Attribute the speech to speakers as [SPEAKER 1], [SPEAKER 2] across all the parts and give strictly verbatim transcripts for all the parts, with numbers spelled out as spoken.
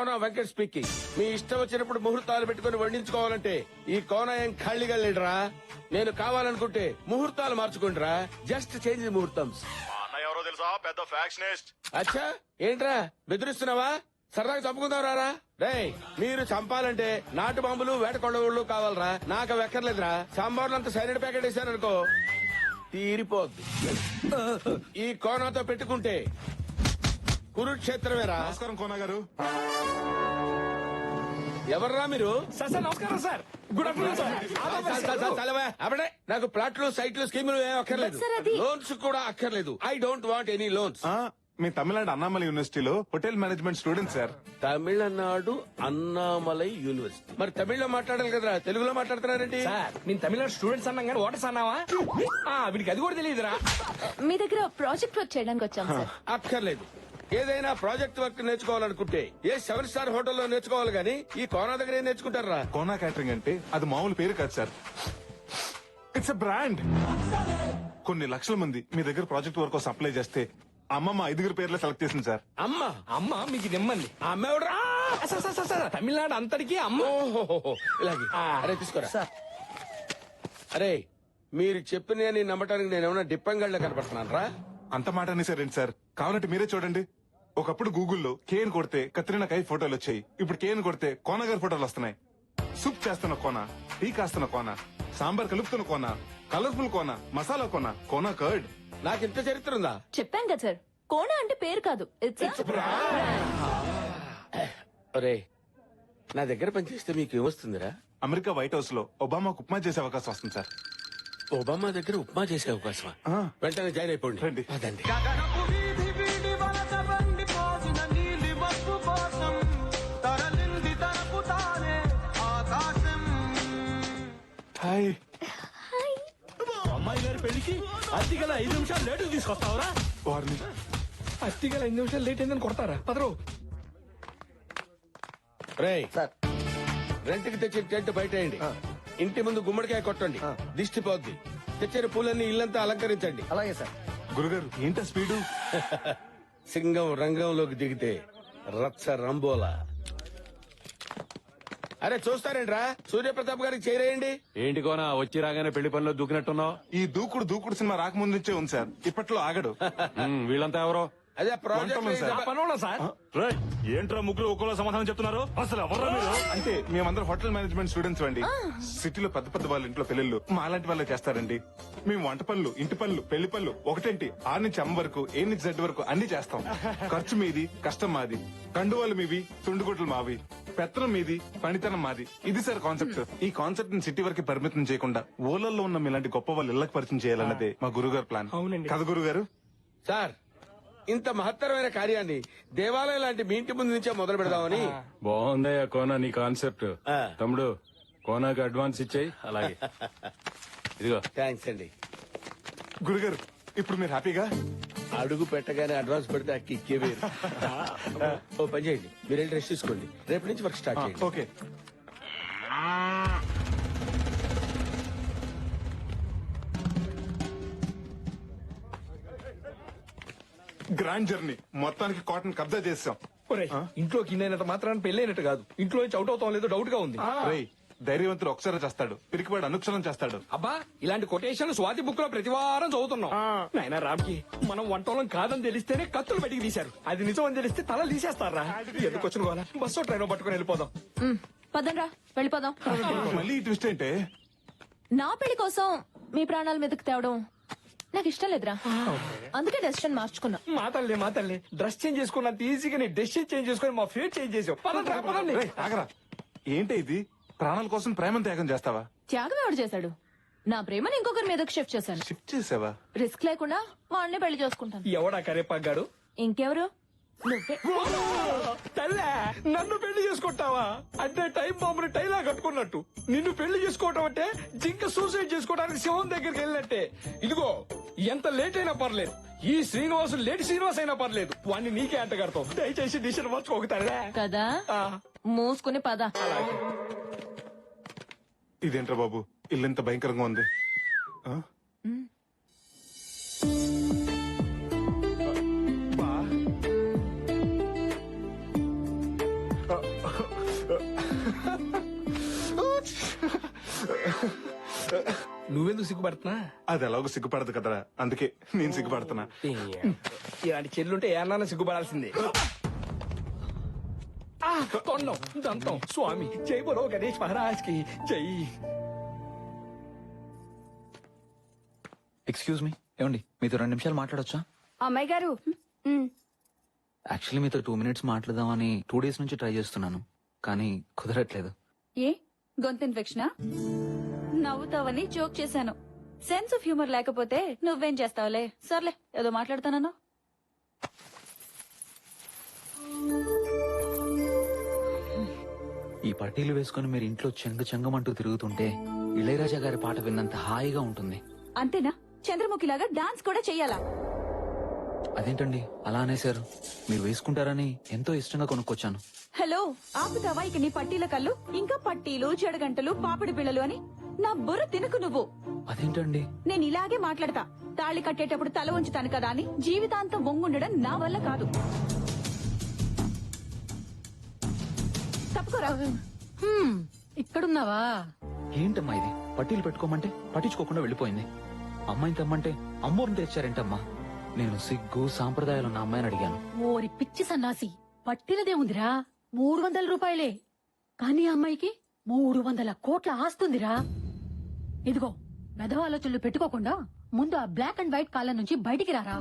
[SPEAKER 1] కోన Venkat speaking. మీ ఇష్టం వచ్చినప్పుడు ముహూర్తాలు పెట్టుకుని వండించుకోవాలంటే ఈ కోన ఏం ఖాళీగా లేడురా. నేను కావాలనుకుంటే ముహూర్తాలు మార్చుకుంటారా. జస్ట్ చేంజ్ ముహూర్తం.
[SPEAKER 2] ఎవరో తెలుసా, పెద్ద ఫ్యాక్షనిస్ట్.
[SPEAKER 1] అచ్చా, ఏంట్రా బెదిరిస్తున్నావా? సరదాగా చంపుకుందాం రారా. రేయ్, మీరు చంపాలంటే నాటు బాంబులు వేట కొడవళ్ళు కావాలరా. నాకు అవి ఎక్కర్లేదురా. సాంబార్లు అంత సైలెంట్ ప్యాకెట్ వేసారనుకో తీరిపోద్ది. ఈ కోనాతో పెట్టుకుంటే కురుక్షేత్రమేరా.
[SPEAKER 2] నమస్కారం కోన గారు.
[SPEAKER 1] ఎవర్రా మీరు?
[SPEAKER 3] సార్ సార్ నమస్కారం సార్. Good afternoon sir.
[SPEAKER 1] చలవా అప్పుడే నాకు ప్లాట్లు సైట్లు స్కీములు ఏం అక్కర్లేదు.
[SPEAKER 4] సార్, అది-
[SPEAKER 1] లోన్స్ కూడా అక్కర్లేదు. I don't want any loans.
[SPEAKER 2] ఆ, మీ తమిళనాడు అన్నామలై యూనివర్సిటీలో hotel management student sir.
[SPEAKER 1] Tamil Nadu Annamalai university. మరి తమిళ్లో మాట్లాడాలి కదరా, తెలుగులో మాట్లాడుతున్నారండి.
[SPEAKER 3] సార్ నేను తమిళనాడు స్టూడెంట్స్ అన్నాం కానీ ఓటర్స్ అన్నావా? ఆ, వీడికి అది కూడా తెలియదురా.
[SPEAKER 4] మీ దగ్గర ప్రాజెక్ట్ వర్క్ చేయడానికి వచ్చాం సార్.
[SPEAKER 1] అక్కర్లేదు. ఏదైనా ప్రాజెక్ట్ వర్క్ నేర్చుకోవాలనుకుంటే ఏ సెవెన్ స్టార్ హోటల్లో నేర్చుకోవాలి గానీ ఈ కోనా దగ్గర ఏం నేర్చుకుంటారా?
[SPEAKER 2] కోనా క్యాటరింగ్ అంటే అది మామూలు పేరు కాదు సార్. It's a brand. కొన్ని లక్షల మంది మీ దగ్గర ప్రాజెక్ట్ వర్క్ కోసం అప్లై చేస్తే అమ్మమ్మ ఐదుగురు పేర్లు సెలెక్ట్ చేసింది సార్.
[SPEAKER 1] అమ్మ
[SPEAKER 3] అమ్మ మీకు నిమ్మంది.
[SPEAKER 1] ఆ అమ్మ ఎవడరా?
[SPEAKER 3] Sir sir sir sir Tamil Nadu అంతటికి అమ్మ.
[SPEAKER 1] ఓహో, ఇలాగే.
[SPEAKER 3] ఆ.
[SPEAKER 1] అరే తీసుకోరా. అరే, మీరు చెప్పిన నమ్మటానికి నేను ఏమైనా డిప్పంగళ్ళ కనపడుతున్నాను రా.
[SPEAKER 2] అంత మాట అనేసారండి సార్. కావాలంటే మీరే చూడండి. ఒకప్పుడు గూగుల్లో కేన్ కొడితే కత్రినా కై ఫోటోలు వచ్చాయి. ఇప్పుడు కేన్ కొడితే కోన గారి ఫోటోలు వస్తున్నాయి. సూప్ చేస్తున్న కోన, టీ కాస్తున్న కోన, సాంబార్ కలుపుతున్న కోన, కలర్ఫుల్ కోన, మసాలా కోన, కోన కర్డ్.
[SPEAKER 1] నాకు ఇంత చరిత్ర ఉందా?
[SPEAKER 4] చెప్పాం కదా సార్, కోణ అంటే పేరు కాదు, ఇట్స్
[SPEAKER 1] ఒరే, నా దగ్గర పనిచేస్తే మీకు ఏమొస్తుందిరా?
[SPEAKER 2] అమెరికా వైట్ హౌస్ లో ఒబామాకు ఉప్మా చేసే అవకాశం వస్తుంది సార్.
[SPEAKER 1] ఒబామా దగ్గర ఉప్మా చేసే అవకాశమా?
[SPEAKER 2] ఆ.
[SPEAKER 1] వెంటనే జాయిన్ అయిపోండి.
[SPEAKER 2] రండి.
[SPEAKER 1] అదండి.
[SPEAKER 2] హాయ్.
[SPEAKER 3] అమ్మాయి గారి పెళ్లికి అత్తిగల ఐదు నిమిషాలు లేటు తీసుకొస్తావురా?
[SPEAKER 2] వారిని
[SPEAKER 3] అత్తిగల ఐదు నిమిషాలు లేట్ అయిందని కొడతారా? పదరు.
[SPEAKER 1] రేయ్, రెంట్కి తెచ్చిన టెంట్ బయటేయండి. ఇంటి ముందు గుమ్మడికాయ కొట్టండి, దిష్టి పోద్ది. తెచ్చిన పూలన్నీ ఇల్లంతా అలంకరించండి.
[SPEAKER 3] అలాగే సార్.
[SPEAKER 2] గురుగారు ఏంటా స్పీడు?
[SPEAKER 1] సింగం రంగంలోకి దిగితే రచ్చ రంబోలా. అరే చూస్తారేంట్రా, సూర్యప్రతాప్ గారికి చేరేయండి.
[SPEAKER 5] ఏంటి కోనా వచ్చి రాగానే పెళ్లి పనిలో దూకినట్టున్నావు?
[SPEAKER 2] ఈ దూకుడు దూకుడు సినిమా రాకముందు నుంచే ఉంది సార్. ఇప్పట్లో ఆగడు.
[SPEAKER 5] ఉమ్, వీళ్ళంతా ఎవరో?
[SPEAKER 1] అదే
[SPEAKER 2] వంటలు సార్.
[SPEAKER 1] ప్రాజెక్ట్.
[SPEAKER 3] పనోళ్ళ సార్.
[SPEAKER 5] రేయ్, ఏంట్రా ముగ్గురు ఒక్కలో సమాధానం చెప్తున్నారు? అసలు ఎవర్రా మీరు?
[SPEAKER 2] అంటే మేమందరం హోటల్ మేనేజ్మెంట్ స్టూడెంట్స్ అండి. సిటీలో పెద్ద పెద్ద వాళ్ళ ఇంట్లో పెళ్లిళ్ళు మా లాంటి వాళ్ళే చేస్తారండి. మేము వంట పనులు, ఇంటి పనులు, పెళ్లి పనులు ఒకటేంటి ఆరు నుంచి అమ్మ వరకు, ఏ నుంచి జెడ్ వరకు అన్ని చేస్తాం. ఖర్చు మీది, కష్టం మాది. కండువాలు మీవి, తుండుగుడ్లు మావి. పెత్తనం మీది, పనితనం మాది. ఇది సార్ కాన్సెప్ట్. ఈ కాన్సెప్ట్ ని సిటీ వరకు పరిమితం చేయకుండా ఊళ్ళల్లో ఉన్న మీలాంటి గొప్ప వాళ్ళు ఇళ్లకు పరిచయం చేయాలన్నదే మా గురుగారు ప్లాన్.
[SPEAKER 3] అవునండి.
[SPEAKER 2] కదా గురుగారు?
[SPEAKER 1] సార్, ఇంత మహత్తరమైన కార్యాన్ని దేవాలయం లాంటి మీ ఇంటి ముందు నుంచే మొదలు పెడదామని.
[SPEAKER 5] బాగుందయ్యా కోనా నీ కాన్సెప్ట్.
[SPEAKER 1] ఆ.
[SPEAKER 5] తమ్ముడు కోనాకి అడ్వాన్స్ ఇచ్చేయి. అలాగే ఇదిగో.
[SPEAKER 1] థ్యాంక్స్ అండి.
[SPEAKER 2] గురుగారు ఇప్పుడు మీరు హ్యాపీగా?
[SPEAKER 1] అడుగు పెట్టగానే అడ్వాన్స్ పెడితే అక్కి ఇక్కే వేరు. ఓ పని చేయండి, మీరు వెళ్ళి రెస్ట్ తీసుకోండి. రేపు నుంచి వర్క్ స్టార్ట్ చేయండి.
[SPEAKER 2] ఓకే. గ్రాండ్ జర్నీ మొత్తానికి కాటన్ కబ్జా చేసాం.
[SPEAKER 3] ఒరేయ్, ఇంట్లోకి ఇన్నైనంత మాత్రాన్ని పెళ్ళైనట్టు కాదు. ఇంట్లో నుంచి అవుట్ అవుతాం లేదో డౌట్ గా ఉంది.
[SPEAKER 2] రేయ్, ధైర్యవంతుడు ఒకసారి చేస్తాడు, పిరికివాడు అనుక్షరం చేస్తాడు.
[SPEAKER 3] అబ్బా, ఇలాంటి కొటేషన్లు స్వాతి బుక్ లో ప్రతి వారం చదువుతున్నాం. నాయనా రామ్కి మనం వంటోళం కాదని తెలిస్తేనే కత్తులు బయటికి తీశారు. అది నిజం అని తెలిస్తే తల తీసేస్తారా? ఎందుకు వచ్చిన గోల? బస్సు ట్రైన్ పట్టుకుని వెళ్ళిపోదాం.
[SPEAKER 4] పదండ్రా వెళ్ళిపోదాం.
[SPEAKER 2] మళ్ళీ ఈ ట్విస్ట్ ఏంటే?
[SPEAKER 4] నా పెళ్లి కోసం మీ ప్రాణాల మీదకి తేవడం నాకు ఇష్టం లేదురా. అందుకే డెసిషన్ మార్చుకున్నా.
[SPEAKER 3] మా తల్లి మా తల్లి డ్రెస్ చేంజ్ చేసుకున్నంత ఈజీగా నీ డెసిషన్ చేంజ్ చేసుకుని మా ఫేట్ చేంజ్ చేసావు. పదండి రా, పదండి.
[SPEAKER 2] రేయ్, ఆగరా. ఏంటి ఇది? ప్రాణాల కోసం ప్రేమను త్యాగం చేస్తావా?
[SPEAKER 4] త్యాగం ఎవడు చేశాడు? నా ప్రేమని ఇంకొకరి మీదకి షిఫ్ట్ చేశాను.
[SPEAKER 2] షిఫ్ట్ చేసావా?
[SPEAKER 4] రిస్క్ లేకుండా వాడిని పెళ్లి చేసుకుంటాను.
[SPEAKER 3] ఎవడా కరేపాగాడు?
[SPEAKER 4] ఇంకెవరు? నువ్వే.
[SPEAKER 3] తల్లే, నన్ను పెళ్లి చేసుకుంటావా? అంటే టైం బాంబుని టైలా కట్టుకున్నట్టు నిన్ను పెళ్లి చేసుకోవటం అంటే జింక సూసైడ్ చేసుకోవడానికి శివం దగ్గరికి వెళ్ళినట్టే. ఇదిగో, ఎంత లేట్ అయినా పర్లేదు, ఈ శ్రీనివాసు లేట్ శ్రీనివాస్ అయినా పర్లేదు, వాడిని నీకే అంట కడతావు. దయచేసి డిసిషన్ మార్చుకోగతాడా
[SPEAKER 4] కదా, మూసుకుని పద.
[SPEAKER 2] ఇదేంట్రా బాబు, ఇల్లు ఎంత భయంకరంగా ఉంది. ఆ? బా. ఆ,
[SPEAKER 3] నువ్వెందుకు సిగ్గుపడుతున్నా
[SPEAKER 2] అది ఎలాగో సిగ్గుపడదు కదరా, అందుకే నేను సిగ్గుపడుతున్నా.
[SPEAKER 3] ఇలాంటి చెల్లుంటే ఏమన్నా సిగ్గుపడాల్సిందే. ఆ, తొండం దంతం స్వామి జై బలో గణేష్ మహారాజ్ కి జై.
[SPEAKER 6] ఎక్స్క్యూజ్ మీ, ఏమండి మీతో రెండు నిమిషాలు మాట్లాడొచ్చా?
[SPEAKER 7] అమ్మాయి గారు
[SPEAKER 6] యాక్చువల్లీ మీతో టూ మినిట్స్ మాట్లాడదామని టూ డేస్ నుంచి ట్రై చేస్తున్నాను, కానీ కుదరట్లేదు.
[SPEAKER 7] ఏ గొంతు ఇన్ఫెక్షనా? నవ్వుతావని జోక్ చేశాను. సెన్స్ ఆఫ్ హ్యూమర్ లేకపోతే నువ్వేం చేస్తావులే. సర్లే ఏదో మాట్లాడతానన్నా.
[SPEAKER 6] ఈ పట్టీలు వేసుకుని మీరు ఇంట్లో చెంగ చెంగమంటూ తిరుగుతుంటే ఇళయరాజా గారి పాట విన్నంత హాయిగా ఉంటుంది.
[SPEAKER 7] అంతేనా? చంద్రముఖిలాగా డాన్స్ కూడా చెయ్యాలా?
[SPEAKER 6] అదేంటండి అలా అనేశారు? మీరు వేసుకుంటారని ఎంతో ఇష్టంగా కొనుక్కొచ్చాను.
[SPEAKER 7] హలో, ఆపుతావా ఇక నీ పట్టీల కళ్ళు? ఇంకా పట్టీలు, చెడగంటలు, పాపిడి పిల్లలు అని నా బుర్ర తినకు నువ్వు.
[SPEAKER 6] అదేంటండి?
[SPEAKER 7] నేను ఇలాగే మాట్లాడతా. తాళి కట్టేటప్పుడు తల ఉంచుతాను కదా అని జీవితాంతం వంగుండడం నా వల్ల కాదు. తప్పుకోరా.
[SPEAKER 4] ఇక్కడున్నావా?
[SPEAKER 6] ఏంటమ్మా ఇది? పట్టీలు పెట్టుకోమంటే పట్టించుకోకుండా వెళ్ళిపోయింది. అమ్మాయిని తెమ్మంటే అమ్మోరిని తెచ్చారేంటమ్మా? నేను సిగ్గు సాంప్రదాయాలు ఉన్న అమ్మాయిని అడిగాను.
[SPEAKER 8] ఓరి పిచ్చి సన్నాసి, పట్టినదే ఉందిరా మూడు వందల రూపాయలే, కానీ ఆ అమ్మాయికి మూడు వందల కోట్ల ఆస్తుందిరా. ఇదిగో మెదవ ఆలోచనలు పెట్టుకోకుండా ముందు ఆ బ్లాక్ అండ్ వైట్ కాలం నుంచి బయటికి రారా.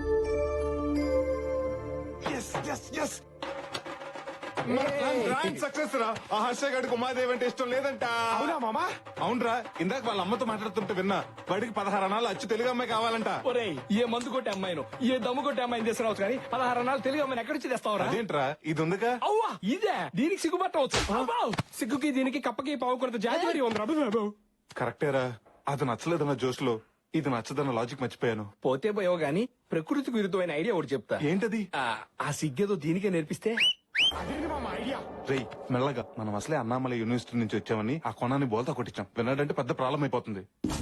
[SPEAKER 2] సక్సెస్ రా. ఆ హర్ష గడికి ఉమాదేవి అంటే ఇష్టం లేదంట.
[SPEAKER 3] అవునా మామా?
[SPEAKER 2] అవునరా, ఇందాక వాళ్ళ అమ్మతో మాట్లాడుతుంటే విన్నా. వాడికి పదహారు అనాలు అచ్చు తెలుగు అమ్మాయి కావాలంట.
[SPEAKER 3] ఒరేయ్, ఏ మందు కొట్టే అమ్మాయిను, ఏ దమ్ము కొట్టే అమ్మాయిని తీసుకురావచ్చు కానీ పదహారు అన్నాలు తెలుగు అమ్మాయిని ఎక్కడి నుంచి తెస్తావురా?
[SPEAKER 2] అదేంట్రా, ఇది ఉందిగా.
[SPEAKER 3] అవ్వా ఇదే దీనికి సిగ్గుపట్టవచ్చు. అబ్బా, సిగ్గుకి దీనికి కప్పకి పావు కొరత జాతి మరి ఉంది బాబు.
[SPEAKER 2] కరెక్టేరా, అది నచ్చలేదన్న జోష్ లో ఇది నచ్చదన్న లాజిక్ మర్చిపోయాను.
[SPEAKER 3] పోతే పోయావు గాని ప్రకృతికి విరుద్ధమైన ఐడియా ఒకటి చెప్తా.
[SPEAKER 2] ఏంటది?
[SPEAKER 3] ఆ, ఆ సిగ్గేదో దీనికే నేర్పిస్తే.
[SPEAKER 2] రేయ్ మెల్లగా, మనం అసలే అన్నామలై యూనివర్సిటీ నుంచి వచ్చామని ఆ కొనాన్ని బోల్తా కొట్టించాం. విన్నాడంటే పెద్ద ప్రాబ్లం అయిపోతుంది.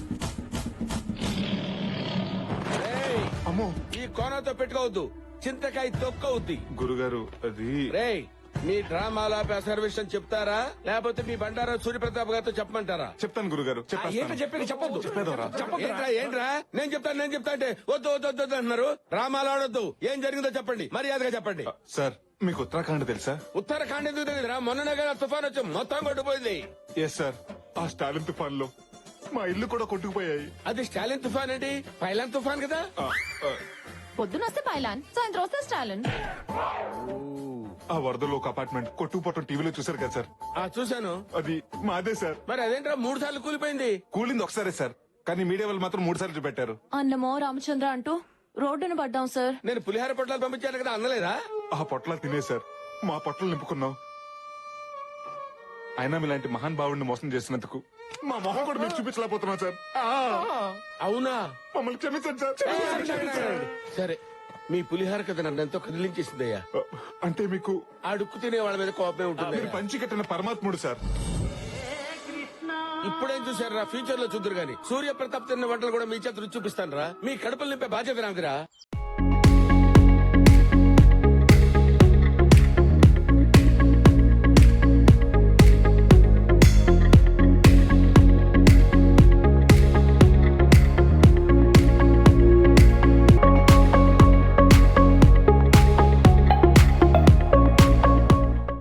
[SPEAKER 1] రేయ్,
[SPEAKER 2] అమ్మో
[SPEAKER 1] ఈ కోనతో పెట్టుకోవద్దు, చింతకాయ తొక్కవుద్ది.
[SPEAKER 2] గురుగారు, అది
[SPEAKER 1] రేయ్, మీ డ్రామాల సర్వేషన్ చెప్తారా లేకపోతే మీ బండారా సూర్యప్రతాప్ గారితో చెప్పమంటారా?
[SPEAKER 2] చెప్తాను గురుగారు,
[SPEAKER 3] ఏంటో
[SPEAKER 2] చెప్పేస్తాను.
[SPEAKER 3] చెప్పేది చెప్పొద్దు.
[SPEAKER 2] చెప్పేదోరా?
[SPEAKER 1] ఏంట్రా ఏంట్రా నేను చెప్తాను నేను చెప్తా అంటే వద్దు వద్దు వద్దు వద్దు అంటున్నారు. డ్రామాలు ఆడొద్దు, ఏం జరిగిందో చెప్పండి, మర్యాదగా చెప్పండి.
[SPEAKER 2] సార్, మీకు ఉత్తరాఖండ్ తెలుసా?
[SPEAKER 1] ఉత్తరాఖండ్ ఎందుకు తెలియదురా? మొన్ననే కదా తుఫాన్ వచ్చి మొత్తం కొట్టుపోయింది.
[SPEAKER 2] ఎస్ సార్, ఆ స్టాలిన్ తుఫాన్ లో మా ఇల్లు కూడా కొట్టుకుపోయాయి.
[SPEAKER 1] అది స్టాలిన్ తుఫాన్ ఏంటి? పైలాన్ తుఫాన్ కదా.
[SPEAKER 2] ఆ, ఆ,
[SPEAKER 4] పొద్దున వస్తే పైలాన్, సాయంత్రం వస్తే స్టాలిన్.
[SPEAKER 2] ఆ వరదలో ఒక అపార్ట్మెంట్ కొట్టుకుపోవటం టీవీలో చూసారు కదా సార్?
[SPEAKER 1] ఆ చూశాను.
[SPEAKER 2] అది మాదే సార్.
[SPEAKER 1] మరి అదేంట్రా మూడు సార్లు కూలిపోయింది?
[SPEAKER 2] కూలింది ఒకసారే సార్, కానీ మీడియా వాళ్ళు మాత్రం మూడు సార్లు చూపెట్టారు.
[SPEAKER 4] అన్నమో రామచంద్ర అంటూ రోడ్డును పడ్డాం సార్.
[SPEAKER 1] నేను పులిహార పొట్లాలు పంపించాను కదా, అందలేదా?
[SPEAKER 2] ఆ పొట్ల తినేశారు, మా పొట్టలు నింపుకున్నాం. అయినా మీలాంటి మహాన్ భావుడిని మోసం చేసినందుకు మా మొహం కూడా మీకు చూపించలేకపోతున్నాం సార్. ఆ,
[SPEAKER 1] అవునా?
[SPEAKER 2] మమ్మల్ని క్షమించండి సార్.
[SPEAKER 1] సరే, మీ పులిహార కథ నన్ను ఎంతో కదిలించేసిందయ్యా.
[SPEAKER 2] అంటే మీకు
[SPEAKER 1] ఆ డుక్కు తినే వాళ్ళ మీద కోపమే ఉంటుంది.
[SPEAKER 2] మీరు పంచి కట్టిన పరమాత్ముడు సార్.
[SPEAKER 1] ఇప్పుడేం చూసారా? ఫ్యూచర్ లో చూద్దరు గాని సూర్య ప్రతాప్ తిన్న వంటలు కూడా మీ చేత రుచి చూపిస్తాను రా. మీ కడుపులు నింపే బాధ్యత నాకురా.